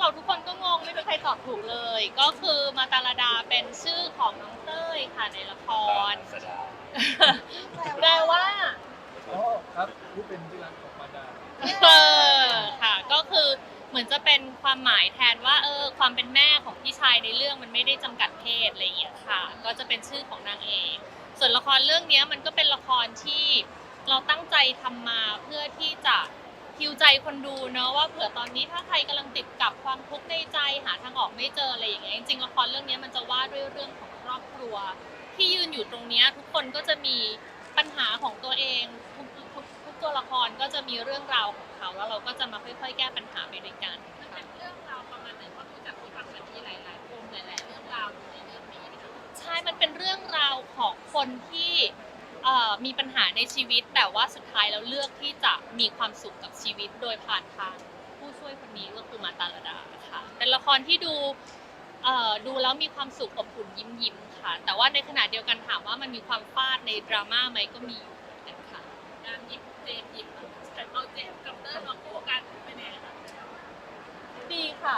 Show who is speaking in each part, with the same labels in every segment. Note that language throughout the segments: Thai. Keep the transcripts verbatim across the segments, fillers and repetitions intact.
Speaker 1: เราทุกคนก็งงไม่มีใครตอบถูกเลย ก็คือมาตาลดาเป็นชื่อของน้องเต้ยค่ะในละครแปลว่า
Speaker 2: อ๋อครับนี่เป็นที่รักของมารดา
Speaker 1: เออค่ะก็คือเหมือนจะเป็นความหมายแทนว่าเออความเป็นแม่ของพี่ชายในเรื่องมันไม่ได้จำกัดเพศอะไรอย่างเงี้ยค่ะก็จะเป็นชื่อของนางเอกส่วนละครเรื่องนี้มันก็เป็นละครที่เราตั้งใจทำมาเพื่อที่จะฮิวใจคนดูเนาะว่าเผื่อตอนนี้ถ้าใครกำลังติดกับความทุกข์ในใจหาทางออกไม่เจออะไรอย่างเงี้ยจริงๆละครเรื่องนี้มันจะว่าด้วยเรื่องของครอบครัวที่ยืนอยู่ตรงนี้ทุกคนก็จะมีปัญหาของตัวเองทุกทุกทุกตัวละครก็จะมีเรื่องราวของเขาแล้วเราก็จะมาค่อยๆแก้ปัญหาไปด้วยกันมันเป็นเรื่องราวประมาณไหนเพราะดูจากที่ฟังมันมีหลายๆปมหลายๆเรื่องราวอยู่ในเรื่องนี้ใช่มันเป็นเรื่องราวของคนที่มีปัญหาในชีวิตแต่ว่าสุดท้ายแล้วเลือกที่จะมีความสุขกับชีวิตโดยผ่านทางผู้ช่วยคนนี้ก็คือมาตาลดาค่ะเป็นละครที่ดูดูแล้วมีความสุขอบอุ่นยิ้มยิ้มค่ะแต่ว่าในขณะเดียวกันถามว่ามันมีความฟาดในดราม่าไหมก็มีอยู่เหมือนกันค่ะการหยิบเจมหยิบเอาเจมกับเต้ยมาคู่กันเป็นยังไงคะดีค่ะ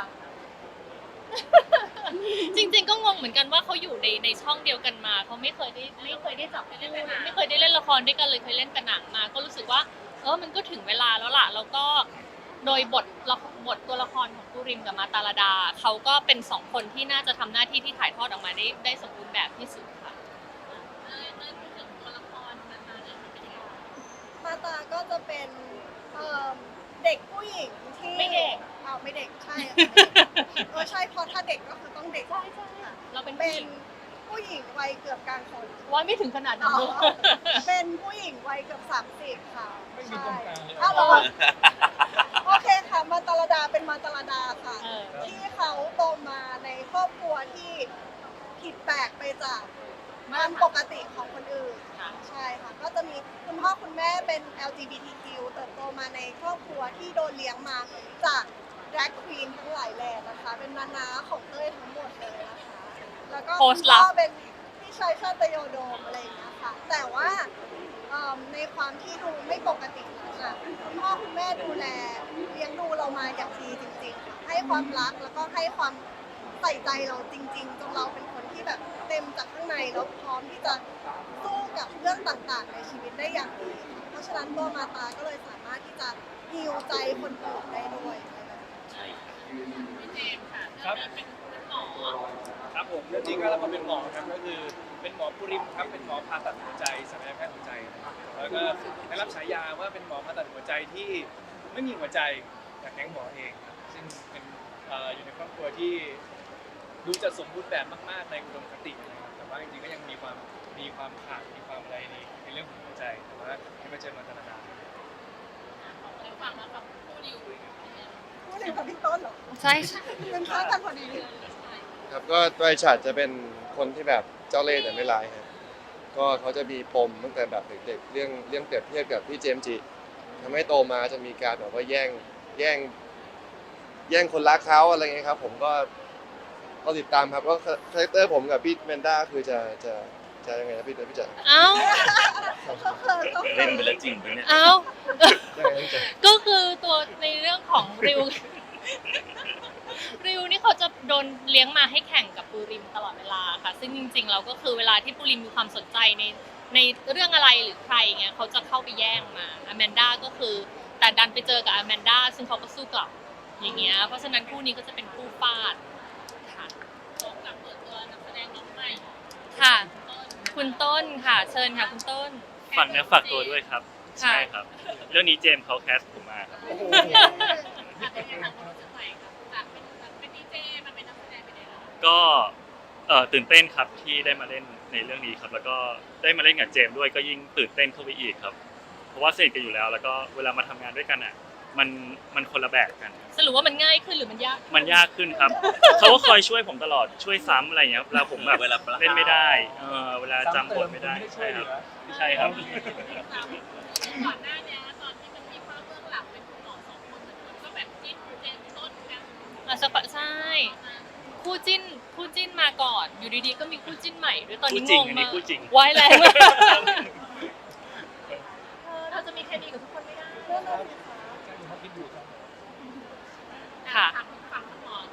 Speaker 1: จริงๆก็งงเหมือนกันว่าเขาอยู่ในในช่องเดียวกันมาเขาไม่เคยได้ไม่เคยได้จับคู่ไม่เคยได้เล่นละครด้วยกันเลยเคยเล่นแต่หนังมาก็รู้สึกว่าเออมันก็ถึงเวลาแล้วล่ะแล้วก็โดยบทบทตัวละครของปูริมกับมาตาลดาเขาก็เป็นสองคนที่น่าจะทำหน้าที่ที่ถ่ายทอดออกมาได้ได้สมบูรณ์แบบที่สุดค่ะเอ้ยเอ้ยพูดถึงตัวละครมาตาเนี่ยเป็นยังไง
Speaker 3: มาตาก็จะเป็นเด็กผู้หญิงที่
Speaker 1: ไม่เด็ก
Speaker 3: อ้าวไม่เด็กใช่เออใช่เพราะถ้าเด็กก็คือต้องเด็ก
Speaker 1: ใช่ใช่เราเป็น
Speaker 3: เป็นผู้หญิงวัยเกือบกลางคน
Speaker 1: ว่าไม่ถึงขนาดนั้น
Speaker 3: เป็นผู้หญิงวัยเกือบสามสิบค่ะ
Speaker 2: ไม่มีตรงกลางเลย
Speaker 3: อ้าวเหรอโอเคค่ะมาตาลดาเป็นมาตาลดาค่ะที่เขาโตมาในครอบครัวที่ผิดแปลกไปจากความปกติของคนอื่นใช่ค่ะก็จะมีคุณพ่อคุณแม่เป็น แอล จี บี ที คิว เติบโตมาในครอบครัวที่โดนเลี้ยงมาจาก drag queen ทั้งหลายแหล่นะคะเป็นนานาของเต้ยทั้งหมดเลยนะคะแล้วก็คุณพ่อเป็นพี่ชายชาตยโดมอะไรอย่างเงี้ยค่ะแต่ว่าในความที่ดูไม่ปกติค่ะคุณพ่อคุณแม่ดูแลเลี้ยงดูเรามาอย่างดีจริงๆค่ะให้ความรักแล้วก็ให้ความใส่ใจเราจริงๆจนเราเป็นคนที่แบบเต็มจากข้างในแล้วพร้อมที่จะสู้กับเรื่องต่างๆในชีวิตได้อย่างดีเพราะฉะนั้นตัวมาตาก็เลยสามารถที่จะฮีลใจคนอื่นได้ด้วย
Speaker 1: พี่เจมส์ค่ะเรื่องนี้เป็นหมอ
Speaker 2: ครับผมเรื่องนี้ก็รับมาเป็นหมอครับก็คือเป็นหมอปุริมครับเป็นหมอผ่าตัดหัวใจศัลยแพทย์หัวใจแล้วก็ได้รับฉายาว่าเป็นหมอผ่าตัดหัวใจที่ไม่มีหัวใจจากแก๊งหมอเองซึ่งเป็นอยู่ในครอบครัวที่ดูจะสมบูรณ์แบบมากๆในอุดมคตินะครับแต่ว่าจริงๆก็ยังมีความมีความขาดมีความอะไรในในเรื่องของหัวใจแต่ว่าที่มาเจอมาตลาด
Speaker 1: ในฝั่งนั้นฝั่งผู้ดิว
Speaker 3: ผู้ดิวกับพี่ต้นเหรอ
Speaker 1: ใช่
Speaker 3: เป็นข้ากันพอดี
Speaker 4: ครับก็ตัวไอฉัดจะเป็นคนที่แบบเจ้าเล่ห์แต่ไม่ร้ายครับก็เขาจะมีปมตั้งแต่แบบเด็กๆเรื่องเรื่องเปรียบเทียบกับพี่เจมส์จิทำให้โตมาจะมีการแบบว่าแย่งแย่งแย่งคนรักเขาอะไรเงี้ยครับผมก็ก็ติดตามครับก็คาแรคเตอร์ผมกับพี่แมนด้าคือจะจะจะยังไงนะพี่พี่จ๋า
Speaker 1: เอ้า
Speaker 5: เล่นไปแล้วจริงปะเนี่ย
Speaker 1: เอ้าก็คือตัวในเรื่องของริวริวนี่เขาจะโดนเลี้ยงมาให้แข่งกับปูริมตลอดเวลาค่ะซึ่งจริงๆเราก็คือเวลาที่ปูริมมีความสนใจในในเรื่องอะไรหรือใครเงี้ยเขาจะเข้าไปแย่งมาอแมนด้าก็คือแต่ดันไปเจอกับอแมนด้าซึ่งเขาก็สู้กลับอย่างเงี้ยเพราะฉะนั้นคู่นี้ก็จะเป็นคู่ฟาดค่ะพร้อมกับเปิดตัวนักแสดงน้องใหม่ค่ะคุณต้นค่ะเชิญค่ะคุณต้น
Speaker 5: ฝากเนื้อฝากตัวด้วยครับใช่ครับเรื่องนี้เจมส์เขาแคสผมมาครับก็เอ่อตื่นเต้นครับที่ได้มาเล่นในเรื่องนี้ครับแล้วก็ได้มาเล่นกับเจมส์ด้วยก็ยิ่งตื่นเต้นเข้าไปอีกครับเพราะว่าสนิทกันอยู่แล้วแล้วก็เวลามาทำงานด้วยกันอ่ะมันมันคนละแบบกัน
Speaker 1: สรุปว่ามันง่ายขึ้นหรือมันยาก
Speaker 5: มันยากขึ้นครับเขาก็คอยช่วยผมตลอดช่วยซ้ำอะไรอย่างเงี้ยเวลาผมแบบเล่นไม่ได้เออเวลาจำบทไม่ได้ใช่ครับใช่ครับ
Speaker 1: ก่อนหน้านี้ตอนที่มันมีภาพเบื้องหลังเป็นคุณหมอสองคนก็แบบจิ้นเจมส์ต้นกันอ่ะใช่คู่จิ้นคู่จิ้นมาก่อนอยู่ดีๆก็มีคู่จิ้นใหม่ด้วยตอนนี้งงมากไว้แล้วเราจะมีเคมีกับทุกคนไม่ได้ค่ะฝั่งคุณหมอ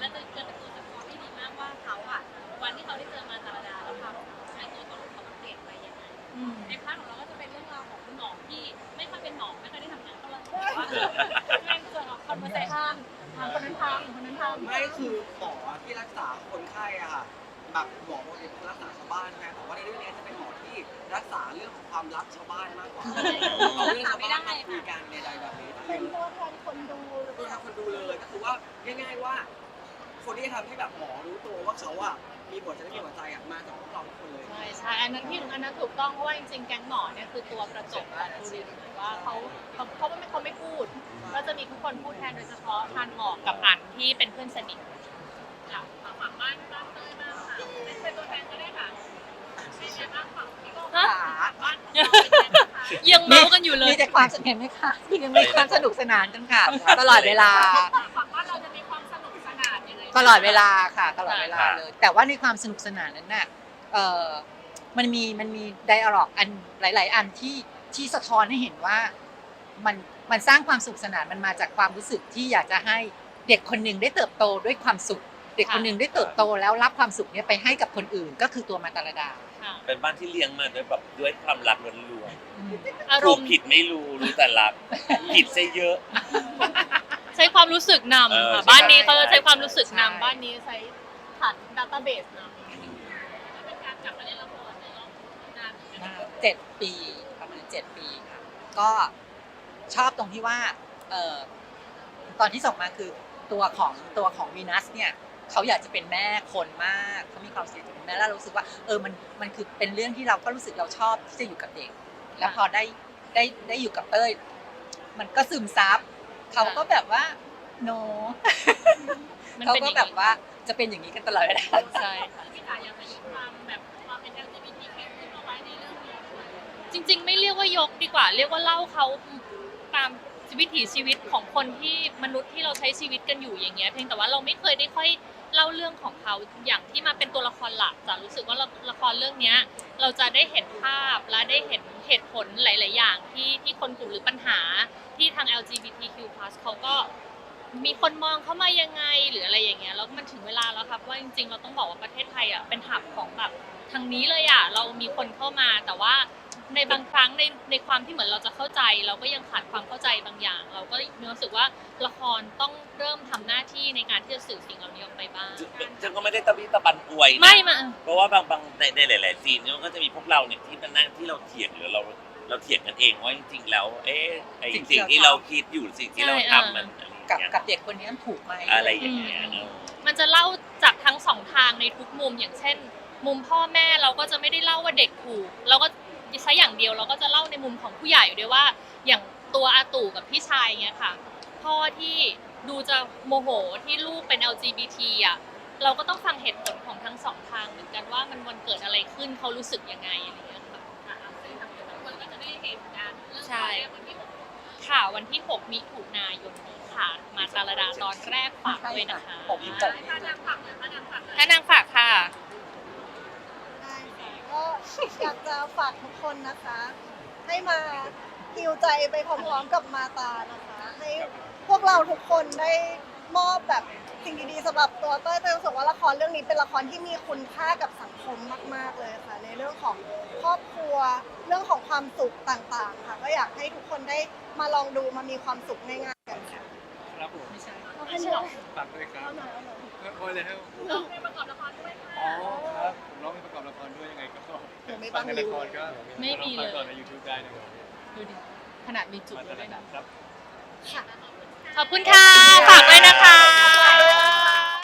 Speaker 1: จะจะเป็นตัวสะท้อนที่ดีมากว่าเขาอ่ะวันที่เขาได้เจอมาตาลดาแล้วเขาใช้ตัวตนของเขาเปลี่ยนไปยังไงในพาร์ทของเราก็จะเป็นเรื่องราวของคุณหมอที่ไม่ค่อยเป็นหมอไม่ค่อยได้ทำงานเท่าไหร่แต่ว่าแม่งเจอคอนเวอร์เซชั่นทางคนนั้นทำคนนั้นทำ
Speaker 6: ไม่คือหมอที่รักษาคนไข้อะค่ะแบบหมอปกติเขารักษาชาวบ้านใช่ไหมแต่ว่าในเรื่องนี้จะเป็นหมอที่รักษาเรื่องของความลับชาวบ้านมากกว่าเอาเรื่องชาวบ้านมาคุยกันในใดแบบนี้
Speaker 3: เป็นตัวแทนคนดู
Speaker 6: ตัวทางคนดูเลยก็คือว่าง่ายๆว่า คนที่ทำให้แบบหมอรู้ตัวว่าเขาอะมีหัวใจและมีหัวใจอะมาจากพวกเราทุกคนเลย
Speaker 1: ใช่ใช่อันนั้นที่อันนั้นถูกต้องเพราะว่าจริงๆแก๊งหมอเนี่ยคือตัวกระจกของบุรินทร์ว่าเขาเขาเขาไม่เขาไม่พูด ก็จะมีทุกคนพูดแทนโดยเฉพาะทานหมอกกับอันที่เป็นเพื่อนสนิทค่ะฝั่งบ้านบ้านเต้ยบ้างค่ะเป็นตัวแทนก็ได้ค่ะเป็นยังไงบ้างฝั่งพี่ก็บ้านยังเมากันอยู่เลย
Speaker 7: มีแต่ความสนุกเห็นไหมคะยังมีความสนุกสนานกันค่ะ ตลอดเวลา
Speaker 1: ฝั่งบ้านเราจะมีความสนุกสนานยังไง
Speaker 7: ตลอดเวลาค่ะ ตลอดเวลาเลย แต่ว่าในความสนุกสนานนั้นน่ะเออมันมีมันมีไดอะล็อกอันหลาย ๆ อันที่ที่สะท้อนให้เห็นว่ามันมันสร้างความสุขสนานมันมาจากความรู้สึกที่อยากจะให้เด็กคนหนึ่งได้เติบโตด้วยความสุข เด็กคนหนึ่งได้เติบโตแล้วรับความสุขเนี้ยไปให้กับคนอื่นก็คือตัวมาตาลดา
Speaker 8: เป็นบ้านที่เลี้ยงมาด้วยแบบด้วยความรักล้วน
Speaker 1: อา
Speaker 8: ๆ
Speaker 1: ร
Speaker 8: ถูก
Speaker 1: มณ์
Speaker 8: ผิดไม่รู้รู้แต่รัก ผิดซะเยอะ
Speaker 1: ใช้ความรู้สึกนำ
Speaker 8: เออ
Speaker 1: ค่ะ
Speaker 8: ใช่
Speaker 1: บ้านนี้เขาจะใช้ความรู้สึก
Speaker 7: ใช่
Speaker 1: นำบ้านนี้ใช้ฐานดัตต้าเบสนำเป็นการกลับมาเล่นละครในรอบนานเหมือนกัน
Speaker 7: เจ็ดปีประมาณเจ็ดปีค่ะก็ชอบตรงที่ว่าเอ่อตอนที่ส่งมาคือตัวของตัวของวีนัสเนี่ยเขาอยากจะเป็นแม่คนมากเขามีความเสียใจเป็นแม่แล้วเรารู้สึกว่าเออมันมันคือเป็นเรื่องที่เราก็รู้สึกเราชอบที่จะอยู่กับเด็ก แล้วพอได้ได้ได้อยู่กับเต้ยมันก็ซึมซับเขาก็แบบว่าโน
Speaker 1: มัน
Speaker 7: เขา
Speaker 1: เป็นอ
Speaker 7: ก็
Speaker 1: ย่าง
Speaker 7: แบบ
Speaker 1: นี้
Speaker 7: ว่าจะเป็นอย่างนี้กันตลอดเวลา
Speaker 1: ใช่ค่ะพี่จ๋ายังมีความแบบความเป็น แอล จี บี ที คิว ขึ้นมาไว้ในเรื่องนี้ด้วยจริง ๆ ไม่เรียกว่ายกดีกว่า เรียกว่าเล่าเขาตามวิถีชีวิตของคนที่มนุษย์ที่เราใช้ชีวิตกันอยู่อย่างเงี้ยเพียงแต่ว่าเราไม่เคยได้ค่อยเล่าเรื่องของเขาอย่างที่มาเป็นตัวละครหลักจ๋ารู้สึกว่าละครเรื่องเนี้ยเราจะได้เห็นภาพและได้เห็นเหตุผลหลาย ๆ อย่างที่ที่คนกลุ่มหรือปัญหาที่ทาง แอล จี บี ที คิว พลัส เขาก็มีคนมองเข้ามายังไงหรืออะไรอย่างเงี้ยแล้วมันถึงเวลาแล้วครับว่าจริง ๆ เราต้องบอกว่าประเทศไทยอ่ะเป็นหับของแบบทางนี้เลยอ่ะเรามีคนเข้ามาแต่ว่าในบางครั้งในในความที่เหมือนเราจะเข้าใจ เราก็ยังขาดความเข้าใจบางอย่าง เราก็มีรู้สึกว่าละครต้องเริ่มทำหน้าที่ในการที่จะสื่อสิ่งเหล่านี้ออกไปบ้าง
Speaker 8: ฉันก็ไม่ได้ตะบี้ตะบันอวยนะ
Speaker 1: ไม่มา
Speaker 8: เพราะว่าบางบางในในหลาย ๆ ซีนเนี่ยมันก็จะมีพวกเราเนี่ยที่มันนั่งที่เราเถียงหรือเราเราเถียงกันเองว่าจริง ๆ แล้ว เอ๊ะไอ
Speaker 7: สิ่งที่
Speaker 8: สิ่งที่
Speaker 7: เรา
Speaker 8: เรา
Speaker 7: ทำ
Speaker 8: คิดอยู่สิ่งที่เราทำมันอะไร
Speaker 7: กับ
Speaker 8: อย่างเงี้ย
Speaker 7: กับเด็กคนนี้มันถูกไหม
Speaker 8: อะไรอย่างเงี้ยเนอะ
Speaker 1: มันจะเล่าจากทั้งสองทางในทุกมุมอย่างเช่น มุมพ่อแม่เราก็จะไม่ได้เล่าว่าเด็กถูกเราก็ใช้อย่างเดียวเราก็จะเล่าในมุมของผู้ใหญ่ด้วยว่าอย่างตัวอาตู่กับพี่ชายเงี้ยค่ะพ่อที่ดูจะโมโหที่ลูกเป็น แอล จี บี ที อ่ะเราก็ต้องฟังเหตุผลของทั้งสองทางเหมือนกันว่ามันวันเกิดอะไรขึ้นเขารู้สึกยังไงอะไรเงี้ยค่ะซึ่งทางทุกคนก็จะได้เห็นกันใช่ค่ะวันที่หกมิถุนายนนี้ค่ะ มาตาลดาตอนแรกฝากด้วยนะคะ
Speaker 7: ผมผม
Speaker 1: ถ้านางฝากเลยถ้านางฝากถ้านางฝากค่ะ
Speaker 3: ได้ค่ะก็อยากจะฝากทุกคนนะคะ ให้มาฮิวใจไปพร้อมๆกับมาตานะคะ ให้พวกเราทุกคนได้มอบแบบสิ่งดีๆสำหรับตัวเต้ยเต้ยรู้สึกว่าละครเรื่องนี้เป็นละครที่มีคุณค่ากับสังคมมากๆเลยค่ะ ในเรื่องของครอบครัวเรื่องของความสุขต่างๆค่ะ ก็อยากให้ทุกคนได้มาลองดูมามีความสุขง่ายๆกันค่ะ
Speaker 2: ครับผม
Speaker 3: เอาให้หน่อย
Speaker 2: ฝากด้วยครับ
Speaker 3: เอาหน่อยเอาหน่อย
Speaker 2: โอ้ยเลยครับ
Speaker 1: ร้องเพลงประกอบละครด้วยค่ะ
Speaker 2: อ๋อครับผมร้องเพลงประกอบละครด้วยยังไงก็ฟังในละครก็
Speaker 1: ไม่มีเลย
Speaker 2: ฟังต่อใน YouTube ได้นะครับ
Speaker 1: ดูดิขนาดมีจุด
Speaker 2: มา
Speaker 1: ด้
Speaker 2: ต
Speaker 1: วย
Speaker 2: ลาด
Speaker 1: นะ
Speaker 2: ครับ
Speaker 1: ขอบคุณค่ะฝาก